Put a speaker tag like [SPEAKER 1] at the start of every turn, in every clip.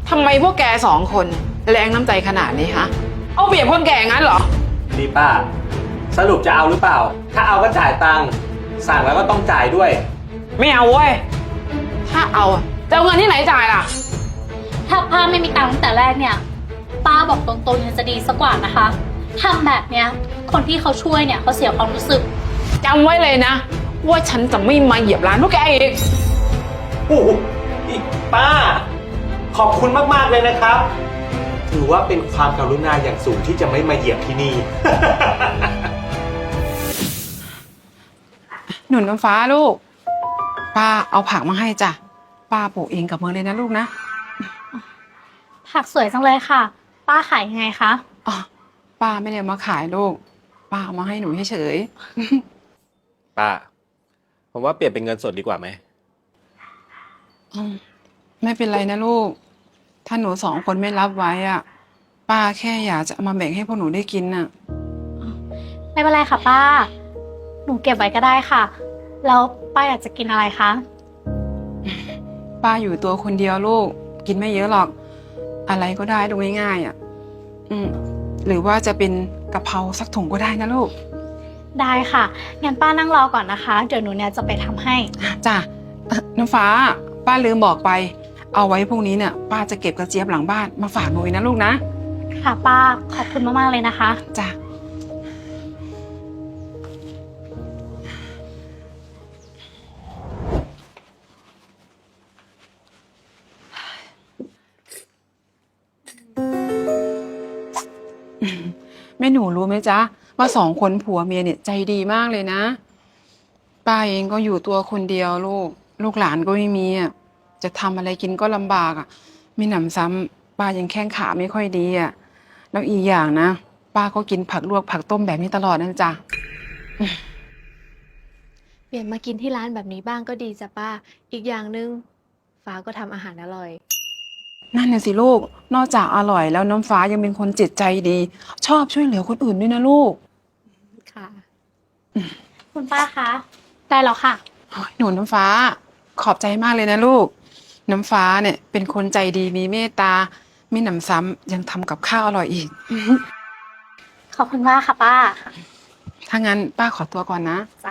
[SPEAKER 1] ทำไมพวกแกสองคนแรงน้ำใจขนาดนี้ฮะเอาเปรียบคนแก่งั้นเหรอ
[SPEAKER 2] นี่ป้าสรุปจะเอาหรือเปล่าถ้าเอาก็จ่ายตังค์สั่งแล้วก็ต้องจ่ายด้วย
[SPEAKER 1] ไม่เอาเว้ยถ้าเอาจะเอาเงินที่ไหนจ่ายล่ะ
[SPEAKER 3] ถ้าป้าไม่มีตังค์ตั้งแต่แรกเนี่ยป้าบอกตรงๆยังจะดีสักกว่านะคะทำแบบเนี้ยคนที่เขาช่วยเนี่ยเขาเสียความรู้สึก
[SPEAKER 1] จำไว้เลยนะว่าฉันจะไม่มาเหยียบร้านพวกแกอีก
[SPEAKER 2] โอ้โหอีกป้าขอบคุณมากๆเลยนะครับถือว่าเป็นความกรุณาอย่างสูงที่จะไม่มาเหยียบที่นี่
[SPEAKER 1] หนุนน้ำฟ้าลูกป้าเอาผักมาให้จ้ะป้าปลูกเองกับมือเลยนะลูกนะ
[SPEAKER 3] ผักสวยจังเลยค่ะป้าขายยังไงคะ
[SPEAKER 1] อ๋อป้าไม่ได้มาขายลูกป้าเอามาให้หนูเฉย
[SPEAKER 2] ป้าผมว่าเปลี่ยนเป็นเงินสดดีกว่าไหม
[SPEAKER 1] ไม่เป็นไรนะลูกถ้าหนูสองคนไม่รับไว้อ่ะป้าแค่อยากจะเอามาแบ่งให้พวกหนูได้กินน่ะ
[SPEAKER 3] ไม่เป็นไรค่ะป้าหนูเก็บไว้ก็ได้ค่ะแล้วป้าอยากจะกินอะไรคะ
[SPEAKER 1] ป้าอยู่ตัวคนเดียวลูกกินไม่เยอะหรอกอะไรก็ได้ดูง่ายๆอ่ะหรือว่าจะเป็นกะเพราสักถุงก็ได้นะลูก
[SPEAKER 3] ได้ค่ะงั้นป้านั่งรอก่อนนะคะเดี๋ยวหนูเนี่ยจะไปทำให้
[SPEAKER 1] จ้ะน้ำฟ้าป้าลืมบอกไปเอาไว้พรุ่งนี้เนี่ยป้าจะเก็บกระเจี๊ยบหลังบ้านมาฝากหนูนะลูกนะ
[SPEAKER 3] ค่ะป้าขอบคุณมากๆเลยนะคะ
[SPEAKER 1] จ้ะแม่หนูรู้ไหมจ๊ะว่าสองคนผัวเมียเนี่ยใจดีมากเลยนะป้าเองก็อยู่ตัวคนเดียวลูกหลานก็ไม่มีอ่ะจะทำอะไรกินก็ลำบากอ่ะไม่หนำซ้ำป้ายังแข้งขาไม่ค่อยดีอ่ะแล้วอีกอย่างนะป้าก็กินผักลวกผักต้มแบบนี้ตลอดนั่นจ้ะ
[SPEAKER 4] เปลี่ยนมากินที่ร้านแบบนี้บ้างก็ดีจ้ะป้าอีกอย่างหนึ่งฟ้าก็ทำอาหารอร่อย
[SPEAKER 1] นั่นน่ะสิลูกนอกจากอร่อยแล้วน้ำฟ้ายังเป็นคนจิตใจดีชอบช่วยเหลือคนอื่นด้วยนะลูก
[SPEAKER 4] ค่ะ
[SPEAKER 3] คุณป้าคะได้แล้วค่ะ
[SPEAKER 1] หนูน้ำฟ้าขอบใจมากเลยนะลูกน้ำฟ้าเนี่ยเป็นคนใจดีมีเมตตาไม่หนำซ้ำยังทำกับข้าวอร่อยอีก
[SPEAKER 3] ขอบคุณมากค่ะป้า
[SPEAKER 1] ถ้างั้นป้าขอตัวก่อนนะ
[SPEAKER 3] จ้า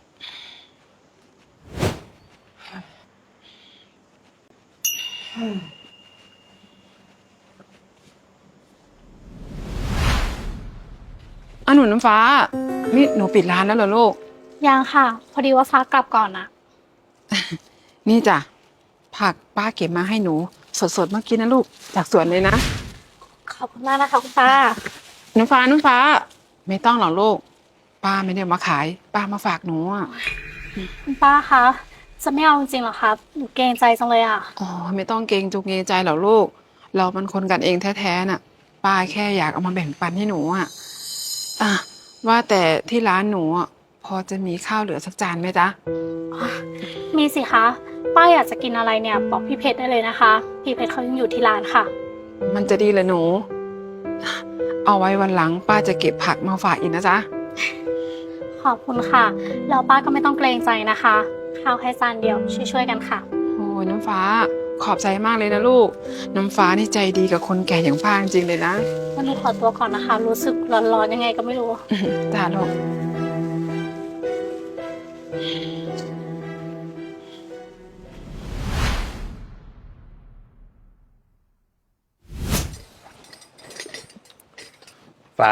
[SPEAKER 1] หนูน้ำฟ้านี่หนูปิดร้านแล้วเหรอลูก
[SPEAKER 3] ยังค่ะพอดีว่าฟ้ากลับก่อนนะ
[SPEAKER 1] นี่จ้ะผักป้าเก็บมาให้หนูสดๆเมื่อกี้นะลูกจากสวนเลยนะ
[SPEAKER 3] ขอบคุณมากนะคะคุณป้า
[SPEAKER 1] น้ำฟ้าไม่ต้องหรอกลูกป้าไม่ได้มาขายป้ามาฝากหนูอ่ะ
[SPEAKER 3] คุณป้าคะจะไม่เอาจริงๆหรอครับหนูเกรงใจจังเลยอ่ะ
[SPEAKER 1] อ๋อไม่ต้องเกรงจุกเกรงใจหรอกลูกเรามันคนกันเองแท้ๆน่ะป้าแค่อยากเอามาแบ่งปันให้หนูอ่ะว่าแต่ที่ร้านหนูอ่ะพอจะมีข้าวเหลือสักจานไหมจ๊ะ
[SPEAKER 3] มีสิคะป้าอยากจะกินอะไรเนี่ยบอกพี่เพชรได้เลยนะคะพี่เพชรเขายังอยู่ที่ร้านค่ะ
[SPEAKER 1] มันจะดีเลยหนูเอาไว้วันหลังป้าจะเก็บผักมาฝากอีกนะจ๊ะ
[SPEAKER 3] ขอบคุณค่ะแล้วป้าก็ไม่ต้องเกรงใจนะคะข้าวแค่จานเดียวช่วยๆกันค่ะ
[SPEAKER 1] โอ้ยน้ำฟ้าขอบใจมากเลยนะลูกน้ำฟ้านี่ใจดีกับคนแก่อย่างป้าจริงเลยนะ
[SPEAKER 3] วันนี้ขอตัวก่อนนะคะรู้สึกร้อนๆยังไงก็ไม่รู้
[SPEAKER 1] จ้าลูก
[SPEAKER 2] ฟ้า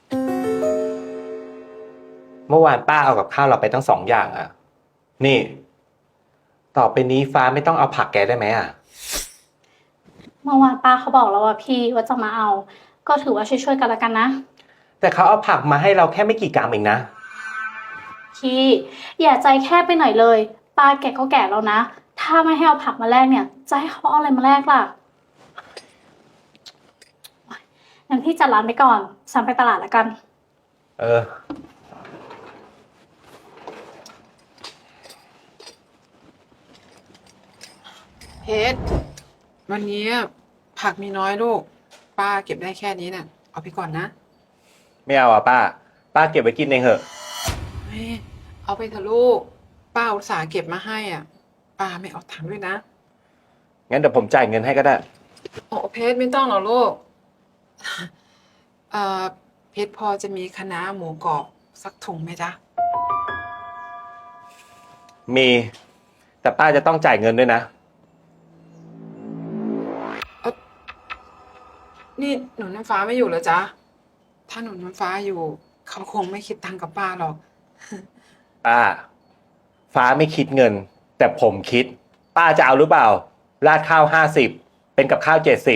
[SPEAKER 2] เมื่อวานป้าเอากับข้าวเราไปทั้ง2 อย่างอ่ะนี่ต่อไปนี้ฟ้าไม่ต้องเอาผักแกได้ไหมอ่ะ
[SPEAKER 3] เมื่อวานป้าเขาบอกแล้วว่าพี่ว่าจะมาเอาก็ถือว่าช่วยๆกันละกันนะ
[SPEAKER 2] แต่เขาเอาผักมาให้เราแค่ไม่กี่กรัมเองนะ
[SPEAKER 3] พี่อย่าใจแคบไปหน่อยเลยป้าแกก็แก่แล้วนะถ้าไม่ให้เอาผักมาแลกเนี่ยจะให้เขาเอาอะไรมาแลกล่ะงั้นพี่จัดร้านไปก่อนฉันไปตลาดละกัน
[SPEAKER 1] เพชรวันนี้ผักมีน้อยลูกป้าเก็บได้แค่นี้น่ะเอาไปก่อนนะ
[SPEAKER 2] ไม่เอาอ่ะป้าเก็บไว้กินเองเถอะ
[SPEAKER 1] เอาไปเถอะลูกป้าอุตส่าห์เก็บมาให้อ่ะป้าไม่เอาถังด้วยนะ
[SPEAKER 2] งั้นเดี๋ยวผมจ่ายเงินให้ก็ได้
[SPEAKER 1] โอ้เพชรไม่ต้องหรอกลูก เพชรพอจะมีคะน้าหมูกรอบสักถุงไหมจ๊ะ
[SPEAKER 2] มี แต่ป้าจะต้องจ่ายเงินด้วยนะ
[SPEAKER 1] นี่หนูน้ำฟ้าไม่อยู่เหรอจ๊ะ ถ้าหนูน้ำฟ้าอยู่ เขาคงไม่คิดตังค์กับป้าหรอก
[SPEAKER 2] ป้า ฟ้าไม่คิดเงิน แต่ผมคิด ป้าจะเอาหรือเปล่า ราดข้าว50เป็นกับข้าว70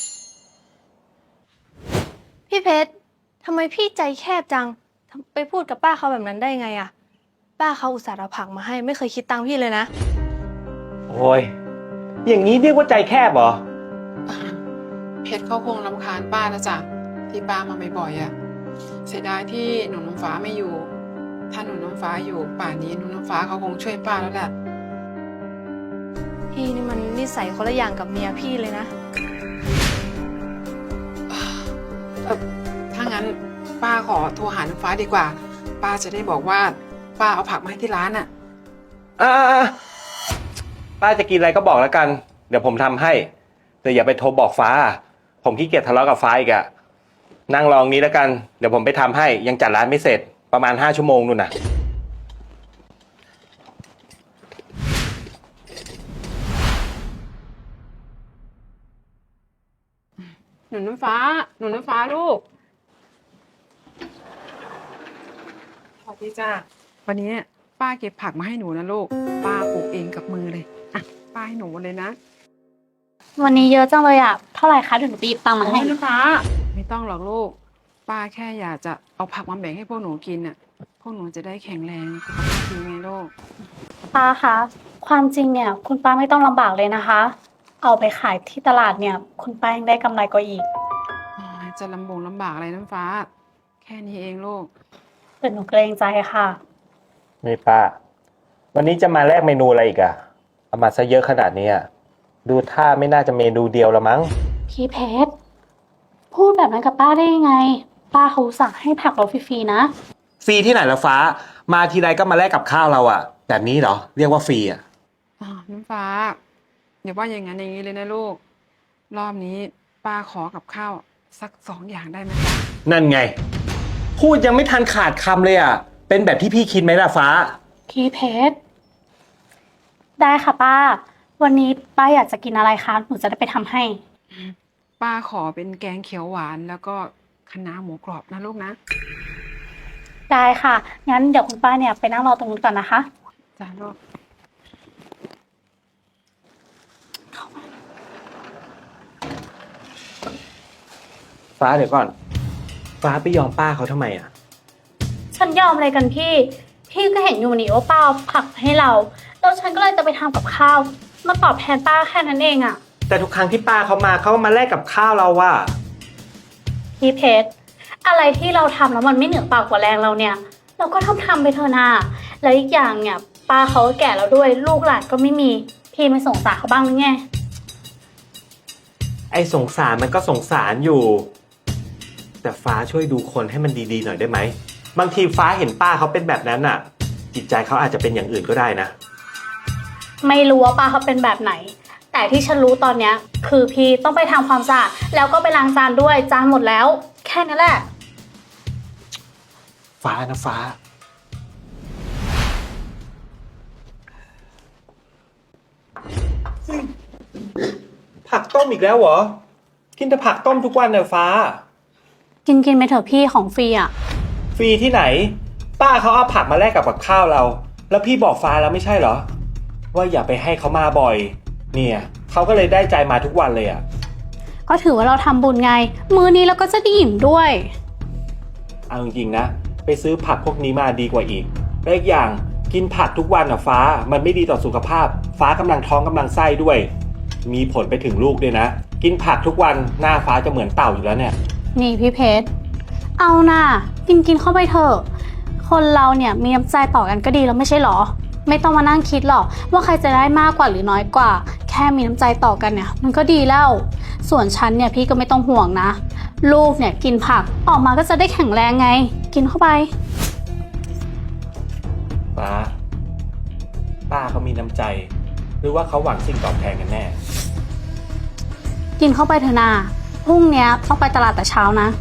[SPEAKER 4] พี่เพชรทำไมพี่ใจแคบจังไปพูดกับป้าเขาแบบนั้นได้ไงอะป้าเขาอุตส่าห์เอาผักมาให้ไม่เคยคิดตังค์พี่เลยนะ
[SPEAKER 2] โอ้ย อย่างนี้เรียกว่าใจแคบเหรอ
[SPEAKER 1] เพชรเขาคงรำคาญป้าแล้วจ้ะที่ป้ามาบ่อยๆอ่ะเสียดายที่หนูน้ำฟ้าไม่อยู่ ถ้าหนูน้ำฟ้าอยู่ป่านนี้หนูน้ำฟ้าเขาคงช่วยป้าแล้วแหละ
[SPEAKER 4] พี่นี่มันนิสัยคนละอย่างกับเมียพี่เลยนะ
[SPEAKER 1] ถ้างั้นป้าขอโทรหาน้ำฟ้าดีกว่า ป้าจะได้บอกว่าป้าเอาผักมาให้ที่ร้านอ่ะ
[SPEAKER 2] อ่าป้าจะกินอะไรก็บอกแล้วกัน เดี๋ยวผมทำให้ แต่อย่าไปโทรบอกฟ้า ผมขี้เกียจทะเลาะกับฟ้าอีกอะนั่งรองนี้แล้วกัน เดี๋ยวผมไปทำให้ ยังจัดร้านไม่เสร็จ ประมาณ5 ชั่วโมงนู่นน่ะ
[SPEAKER 1] หนูน้ำฟ้า หนูน้ำฟ้าลูกสวัสดีจ้าวันนี้ป้าเก็บผักมาให้หนูนะลูก ป้าปลูกเองกับมือเลย อ่ะ ป้าให้หนูหมดเลยนะ
[SPEAKER 3] วันนี้เยอะจังเลยอะเท่าไหร่คะเดี๋ยวหนูไปหยิบตังค์มาให้
[SPEAKER 1] โอ้ยน้ำฟ้า ไม่ต้องหรอกลูก ป้าแค่อยากจะเอาผักมาแบ่งให้พวกหนูกินน่ะ พวกหนูจะได้แข็งแรงสุขภาพดีไงลูก
[SPEAKER 3] ป้าคะความจริงเนี่ย คุณป้าไม่ต้องลำบากเลยนะคะ เอาไปขายที่ตลาดเนี่ย คุณป้ายังได้กำไรกว่าอีก
[SPEAKER 1] อ๋อจะลำบากอะไรน้ำฟ้า แค่นี้เองลูก
[SPEAKER 3] แต่หนูเกรงใจค่ะ
[SPEAKER 2] นี่ป้า วันนี้จะมาแลกเมนูอะไรอีกอะเอามาซะเยอะขนาดนี้อะดูท่าไม่น่าจะเมนูเดียวละมั้ง
[SPEAKER 3] พี่เพชรพูดแบบนั้นกับป้าได้ยังไง ป้าเขาอุตสั่งให้ผักเราฟรีๆนะ
[SPEAKER 2] ฟรีที่ไหนละฟ้า มาทีไรก็มาแลกกับข้าวเราอะแบบนี้เหรอ เรียกว่าฟรีอะ
[SPEAKER 1] อ๋อน้ำฟ้าอย่าว่าอย่างนั้นอย่างนี้เลยนะลูก รอบนี้ป้าขอกับข้าวสัก2 อย่างได้ไหมจ๊ะ
[SPEAKER 2] นั่นไง พูดยังไม่ทันขาดคำเลยอะเป็นแบบที่พี่คิดไหมล่ะฟ้า
[SPEAKER 3] พี่เพชรได้ค่ะป้า วันนี้ป้าอยากจะกินอะไรคะหนูจะได้ไปทำให้
[SPEAKER 1] ป้าขอเป็นแกงเขียวหวานแล้วก็คะน้าหมูกรอบนะลูกนะ
[SPEAKER 3] ได้ค่ะ งั้นเดี๋ยวคุณป้าเนี่ยไปนั่งรอตรงนู้นก่อนนะคะ
[SPEAKER 1] จ้าลูก
[SPEAKER 2] ฟ้าเดี๋ยวก่อน ฟ้าไปยอมป้าเขาทำไมอะ
[SPEAKER 3] ฉันยอมอะไรกันพี่ พี่ก็เห็นอยู่นี่ว่าป้าเอาผักให้เรา แล้วฉันก็เลยจะไปทำกับข้าว มาตอบแทนป้าแค่นั้นเองอะ
[SPEAKER 2] แต่ทุกครั้งที่ป้าเขามาเขาก็มาแลกกับข้าวเราว่ะ
[SPEAKER 3] พี่เพชรอะไรที่เราทำแล้วมันไม่เหนือปากกว่าแรงเราเนี่ย เราก็ทำไปเถอะนาแล้วอีกอย่างเนี่ยป้าเขาก็แก่แล้วด้วย ลูกหลานก็ไม่มี พี่ไม่สงสารเขาบ้างหรือไง
[SPEAKER 2] ไอ้สงสารมันก็สงสารอยู่ แต่ฟ้าช่วยดูคนให้มันดีๆหน่อยได้ไหม บางทีฟ้าเห็นป้าเขาเป็นแบบนั้นน่ะ จิตใจเขาอาจจะเป็นอย่างอื่นก็ได้นะ
[SPEAKER 3] ไม่รู้ว่าป้าเขาเป็นแบบไหน แต่ที่ฉันรู้ตอนเนี้ยคือพี่ต้องไปทำความสะอาดแล้วก็ไปล้างจานด้วยจานหมดแล้ว แค่นั้นแหละ
[SPEAKER 2] ฟ้านะฟ้า ผักต้มอีกแล้วเหรอ กินแต่ผักต้มทุกวันเนี่ยฟ้า
[SPEAKER 3] กินไปเถอะพี่ของฟรีอ่ะ
[SPEAKER 2] ฟรีที่ไหน ป้าเขาเอาผักมาแลกกับข้าวเรา แล้วพี่บอกฟ้าแล้วไม่ใช่เหรอ ว่าอย่าไปให้เขามาบ่อย เนี่ยเขาก็เลยได้ใจมาทุกวันเลยอ่ะ
[SPEAKER 3] ก็ถือว่าเราทำบุญไง มื้อนี้เราก็จะได้อิ่มด้วย
[SPEAKER 2] เอาจริงๆนะ ไปซื้อผักพวกนี้มาดีกว่าอีกและอีกอย่างกินผักทุกวันอ่ะฟ้ามันไม่ดีต่อสุขภาพ ฟ้ากำลังท้องกำลังไส้ด้วย มีผลไปถึงลูกด้วยนะ กินผักทุกวันหน้าฟ้าจะเหมือนเต่าอยู่แล้วเนี่ย
[SPEAKER 3] นี่พี่เพชรเอาน่ะกินเข้าไปเถอะ คนเราเนี่ยมีน้ำใจต่อกันก็ดีแล้วไม่ใช่หรอ ไม่ต้องมานั่งคิดหรอกว่าใครจะได้มากกว่าหรือน้อยกว่า แค่มีน้ำใจต่อกันเนี่ยมันก็ดีแล้ว ส่วนฉันเนี่ยพี่ก็ไม่ต้องห่วงนะ ลูกเนี่ยกินผักออกมาก็จะได้แข็งแรงไง กินเข้าไป
[SPEAKER 2] ฟ้า ป้าเขามีน้ำใจ หรือว่าเขาหวังสิ่งตอบแทนกันแน่
[SPEAKER 3] กินเข้าไปเถอะนาพรุ่งเนี้ยต้องไปตลาดแต่เช้านะ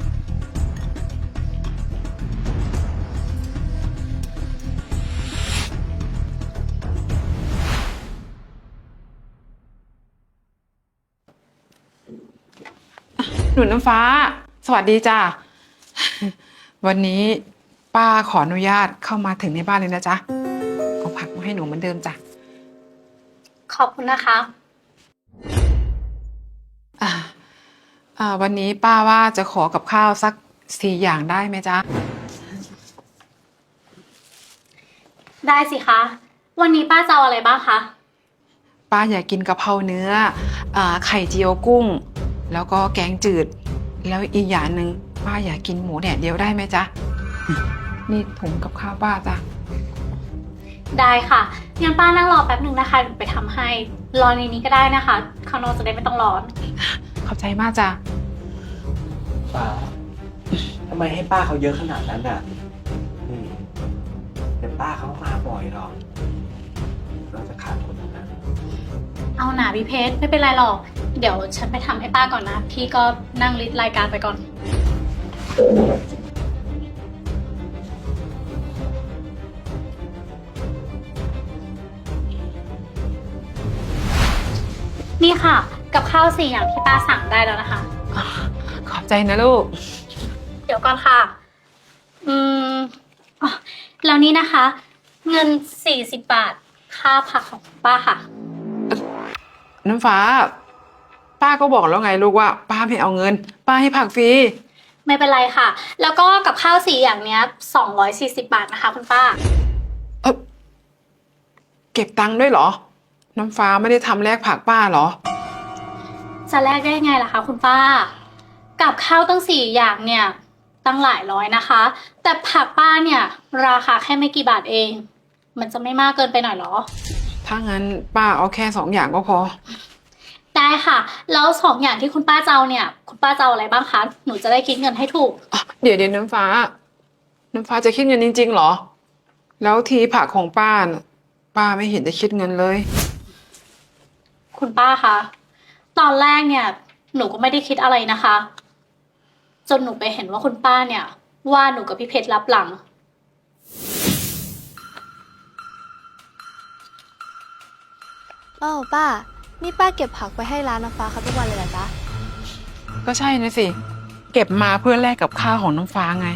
[SPEAKER 1] หนุนน้ำฟ้า สวัสดีจ้า วันนี้ป้าขออนุญาตเข้ามาถึงในบ้านเลยนะจ๊ะเอาผักมาให้หนูเหมือนเดิมจ้ะ
[SPEAKER 3] ขอบคุณนะคะ
[SPEAKER 1] วันนี้ป้าว่าจะขอกับข้าวสัก4 อย่างได้ไหมจ๊ะ
[SPEAKER 3] ได้สิคะ วันนี้ป้าจะเอาอะไรบ้างคะ
[SPEAKER 1] ป้าอยากกินกะเพราเนื้อไข่เจียวกุ้ง แล้วก็แกงจืด แล้วอีกอย่างหนึ่งป้าอยากกินหมูแดดเดียวได้ไหมจ๊ะ นี่ถุงกับข้าวป้าจ้ะ
[SPEAKER 3] ได้ค่ะงั้นป้านั่งรอแป๊บหนึ่งนะคะหนูไปทำให้ รอในนี้ก็ได้นะคะ ข้างนอกจะได้ไม่ต้องร้อน
[SPEAKER 1] ขอบใจมากจ้ะ
[SPEAKER 2] ฟ้าทำไมให้ป้าเขาเยอะขนาดนั้นอ่ะนี่แต่ป้าเขามาบ่อยหรอกเราจะขาดคนนั้น
[SPEAKER 3] เอาหนาพี่เพชรไม่เป็นไรหรอก เดี๋ยวฉันไปทำให้ป้าก่อนนะ พี่ก็นั่งลิสต์รายการไปก่อน นี่ค่ะ กับข้าว4 อย่างที่ป้าสั่งได้แล้วนะคะ
[SPEAKER 1] ขอบใจนะลูก
[SPEAKER 3] เดี๋ยวก่อนค่ะอ๋อแล้วนี่นะคะ เงิน40 บาท ค่าผักของป้าค่ะ
[SPEAKER 1] น้ำฟ้า ป้าก็บอกแล้วไงลูกว่า ป้าไม่เอาเงิน ป้าให้ผักฟรี
[SPEAKER 3] ไม่เป็นไรค่ะ แล้วก็กับข้าว4 อย่างเนี้ย240 บาทนะคะคุณป้า
[SPEAKER 1] เก็บตังค์ด้วยเหรอ น้ำฟ้าไม่ได้ทำแลกผักป้าเหรอ
[SPEAKER 3] จะแลกได้ไงล่ะคะคุณป้า กับข้าวตั้ง4 อย่างเนี่ย ตั้งหลายร้อยนะคะ แต่ผักป้าเนี่ย ราคาแค่ไม่กี่บาทเอง มันจะไม่มากเกินไปหน่อยเหรอ
[SPEAKER 1] ถ้างั้นป้าเอาแค่2 อย่างก็พอ
[SPEAKER 3] ได้ค่ะ แล้ว2 อย่างที่คุณป้าจะเอาเนี่ย คุณป้าจะเอาอะไรบ้างคะ หนูจะได้คิดเงินให้ถูก
[SPEAKER 1] เดี๋ยวน้ำฟ้า น้ำฟ้าจะคิดเงินจริงๆเหรอ แล้วทีผักของป้าน่ะป้าไม่เห็นจะคิดเงินเลย
[SPEAKER 3] คุณป้าคะตอนแรกเนี่ย หนูก็ไม่ได้คิดอะไรนะคะ จนหนูไปเห็นว่าคุณป้าเนี่ย ว่าหนูกับพี่เพชรรับหลัง
[SPEAKER 4] อ้าวป้า นี่ป้าเก็บผักไปให้ร้านน้ำฟ้าเขาทุกวันเลยเหรอจ๊ะ
[SPEAKER 1] ก็ใช่นะสิ เก็บมาเพื่อแลกกับข้าวของน้ำฟ้าไง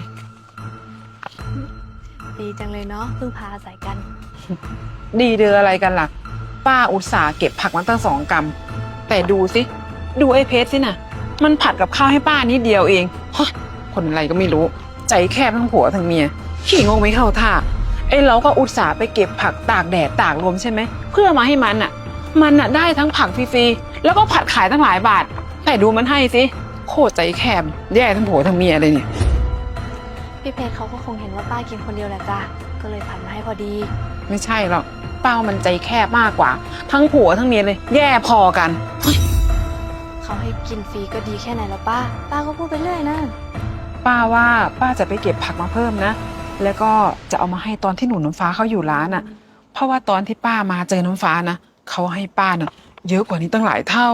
[SPEAKER 4] ดีจังเลยเนาะพึ่งพาอาศัยกัน
[SPEAKER 1] ดีเดืออะไรกันล่ะ ป้าอุตส่าห์เก็บผักมาตั้ง2 กรัม แต่ดูสิดูไอ้เพชรสินะมันผัดกับข้าวให้ป้านิดเดียวเองฮะคนอะไรก็ไม่รู้ ใจแคบทั้งผัวทั้งเมียขี้งงไม่เข้าท่าไอ้เราก็อุตส่าห์ไปเก็บผักตากแดดตากลมใช่ไหมเพื่อมาให้มันอ่ะได้ทั้งผักฟรีๆแล้วก็ผัดขายตั้งหลายบาท แต่ดูมันให้สิโคตรใจแคบแย่ทั้งผัวทั้งเมียเลยเนี่ย
[SPEAKER 4] พี่เพชรเขาก็คงเห็นว่าป้ากินคนเดียวแหละจ้ะ ก็เลยผัดมาให้พอดี
[SPEAKER 1] ไม่ใช่หรอกเป้ามันใจแคบมากกว่า ทั้งผัวทั้งเมียเลย แย่พอกัน
[SPEAKER 4] เขาให้กินฟรีก็ดีแค่ไหนแล้วป้า ป้าก็พูดไปเรื่อยนะ
[SPEAKER 1] ป้าว่าป้าจะไปเก็บผักมาเพิ่มนะ แล้วก็จะเอามาให้ตอนที่หนูน้ำฟ้าเขาอยู่ร้านอ่ะ เพราะว่าตอนที่ป้ามาเจอน้ำฟ้านะเขาให้ป้าน่ะเยอะกว่านี้ตั้งหลายเท่า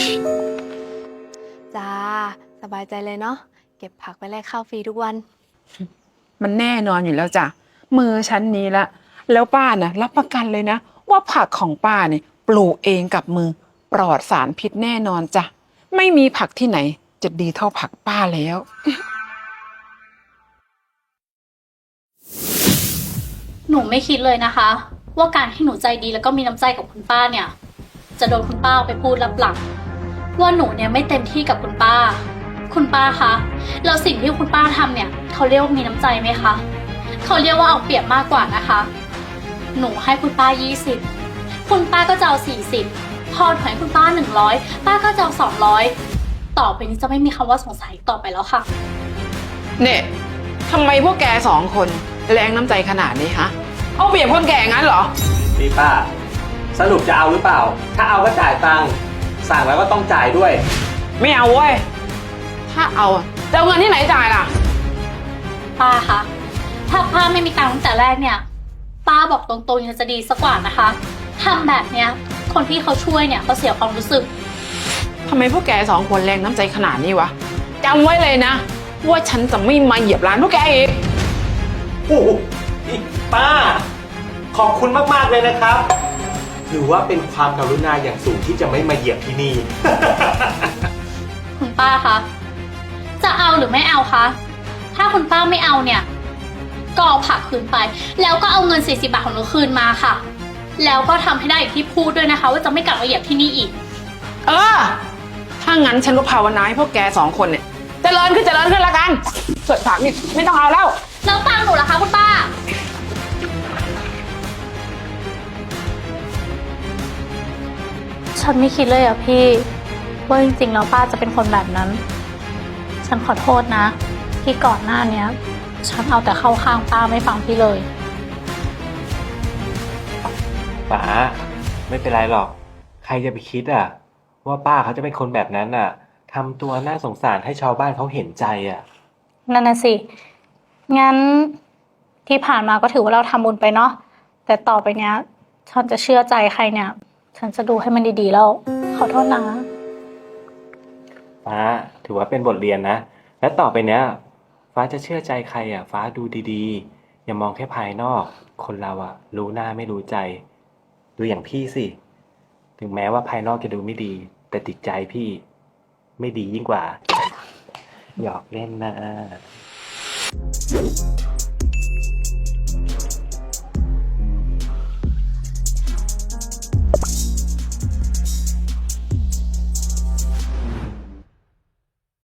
[SPEAKER 4] จ้า สบายใจเลยเนาะ เก็บผักไปแลกข้าวฟรีทุกวัน
[SPEAKER 1] มันแน่นอนอยู่แล้วจ้ะมือชั้นนี้ละแล้วป้าน่ะรับประกันเลยนะ ว่าผักของป้าเนี่ยปลูกเองกับมือปลอดสารพิษแน่นอนจ้ะไม่มีผักที่ไหนจะดีเท่าผักป้าแล้ว
[SPEAKER 3] หนูไม่คิดเลยนะคะ ว่าการที่หนูใจดีแล้วก็มีน้ำใจกับคุณป้าเนี่ย จะโดนคุณป้าเอาไปพูดลับหลังว่าหนูเนี่ยไม่เต็มที่กับคุณป้า คุณป้าคะแล้วสิ่งที่คุณป้าทำเนี่ยเขาเรียกว่ามีน้ำใจไหมคะเขาเรียกว่าเอาเปรียบมากกว่านะคะ หนูให้คุณป้า20คุณป้าก็จะเอา40พอถอยคุณป้า100ป้าก็จะเอา200ต่อไปนี้จะไม่มีคำว่าสงสัยต่อไปแล้วค่ะ
[SPEAKER 1] เนี่ยทำไมพวกแก2 คนแรงน้ำใจขนาดนี้ฮะเอาเปรียบคนแก่งั้นเหรอ
[SPEAKER 2] นี่ป้า สรุปจะเอาหรือเปล่า ถ้าเอาก็จ่ายตังค์สั่งแล้วก็ต้องจ่ายด้วย
[SPEAKER 1] ไม่เอาเว้ยถ้าเอาอะจะเอาเงินที่ไหนจ่ายล่ะ
[SPEAKER 3] ป้าคะถ้าป้าไม่มีตังค์ตั้งแต่แรกเนี่ย ป้าบอกตรงๆยังจะดีสักกว่านะคะทำแบบเนี้ยคนที่เขาช่วยเนี่ยเขาเสียความรู้สึก
[SPEAKER 1] พทำไมพวกแกสองคนแรงน้ำใจขนาดนี้วะจำไว้เลยนะ ว่าฉันจะไม่มาเหยียบร้านพวกแกอีก
[SPEAKER 2] โอ้โหนี่ป้า ขอบคุณมากๆเลยนะครับ ถือว่าเป็นความกรุณาอย่างสูงที่จะไม่มาเหยียบที่นี่
[SPEAKER 3] คุณป้าคะ จะเอาหรือไม่เอาคะ ถ้าคุณป้าไม่เอาเนี่ย ก็เอาผักคืนไป แล้วก็เอาเงิน40 บาทของหนูคืนมาค่ะ แล้วก็ทำให้ได้อย่างที่พูดด้วยนะคะ ว่าจะไม่กลับมาเหยียบที่นี่อีก
[SPEAKER 1] เออ ถ้างั้นฉันก็ภาวนาให้พวกแกสองคนเนี่ยเจริญขึ้นละกันส่วนผักนี่ไม่ต้องเอาแล้ว
[SPEAKER 3] แล้วตังค์หนูล่ะคะคุณป้า ฉันไม่คิดเลยอ่ะพี่ว่าจริงๆแล้วป้าจะเป็นคนแบบนั้น ฉันขอโทษนะ ที่ก่อนหน้าเนี้ย ฉันเอาแต่เข้าข้างป้าไม่ฟังพี่เลย
[SPEAKER 2] ป๋าไม่เป็นไรหรอก ใครจะไปคิดอ่ะ ว่าป้าเขาจะเป็นคนแบบนั้นอ่ะทำตัวน่าสงสารให้ชาวบ้านเขาเห็นใจอ่ะ
[SPEAKER 3] นั่นน่ะสิ งั้นที่ผ่านมาก็ถือว่าเราทำบุญไปเนาะ แต่ต่อไปเนี้ย ฉันจะเชื่อใจใครเนี่ย ฉันจะดูให้มันดีๆแล้ว ขอโทษนะ
[SPEAKER 2] ฟ้าถือว่าเป็นบทเรียนนะ และต่อไปเนี้ย ฟ้าจะเชื่อใจใครอ่ะ ฟ้าดูดีๆ อย่ามองแค่ภายนอก คนเราอ่ะ รู้หน้าไม่รู้ใจ ดูอย่างพี่สิ ถึงแม้ว่าภายนอกจะดูไม่ดี แต่ติดใจพี่ไม่ดียิ่งกว่า หยอกเล่นนะ